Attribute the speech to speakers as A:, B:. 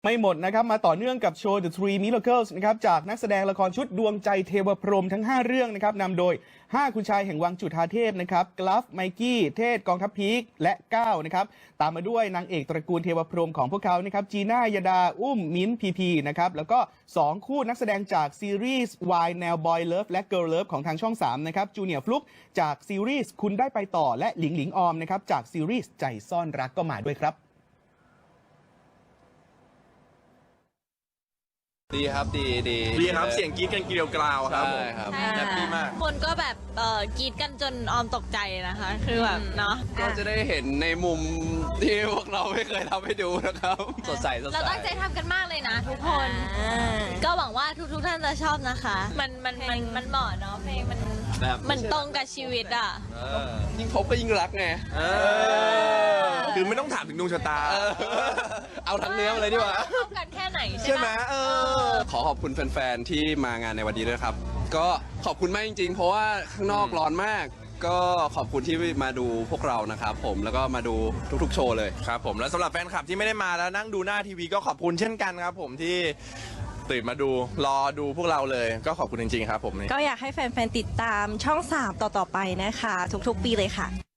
A: ไม่หมดนะครับมาต่อเนื่องกับโชว์ The Three Miracles นะครับจากนักแสดงละครชุดดวงใจเทวพรหมทั้ง 5 เรื่องนะครับนำโดย 5 คุณชายแห่งวังจุฑาเทพนะครับกลัฟไมกี้เทศกองทัพพีคและก้าวนะครับตามมาด้วยนางเอกตระกูลเทวพรหมของพวกเขานะครับจีน่ายดาอุ้มมิ้นพีพีนะครับแล้วก็ 2 คู่นักแสดงจากซีรีส์วายแนวบอยเลิฟและเกิร์ลเลิฟของทางช่อง 3 นะครับจูเนียร์ฟลุกจากซีรีส์คุณได้ไปต่อและหลิงหลิงออมนะครับจากซีรีส์ใจซ่อนรักก็มาด้วยครับ
B: ดีครับดี
C: ครับเสียงกรี๊ดกันเกลียวกราวครับผม
B: ครับ
D: ใช่
B: แฮปปี้มาก
D: คนก็แบบกรีดกันจนออมตกใจนะคะ คือแบบเนาะ
B: ก็จะได้เห็นในมุมที่พวกเราไม่เคยทำให้ดูนะครับ สดใส
D: เราตั้งใจทำกันมากเลยนะทุกคนก็หวังว่าทุกท่านจะชอบนะคะ มันเหมาะเนาะเพลงมันตรงกับชีวิตอ่ะ
B: ยิ่งพบก็ยิ่งรักไง
C: คือไม่ต้องถามถึงดวงชะตา
B: เอาทั้งเนื้อมาเลยดีกว่า
D: ชอบกันแค่ไหนใช่
C: ใช่ไหม
D: ไหม
B: ขอขอบคุณแฟนๆที่มางานในวันนี้ด้วยครับ ก็ขอบคุณมากจริงๆ เพราะว่าข้างนอกร้อนมาก ก็ขอบคุณที่มาดูพวกเรานะครับผมแล้วก็มาดูทุกๆโชว์เลย
C: ครับผมแล้วสำหรับแฟนคลับที่ไม่ได้มาแล้วนั่งดูหน้าทีวีก็ขอบคุณเช่นกันครับผมที่ตื่นมาดูรอดูพวกเราเลยก็ขอบคุณจริงๆครับผม
E: ก็อยากให้แฟนๆติดตามช่อง 3 ต่อๆไปนะคะ ทุกๆปีเลยค่ะ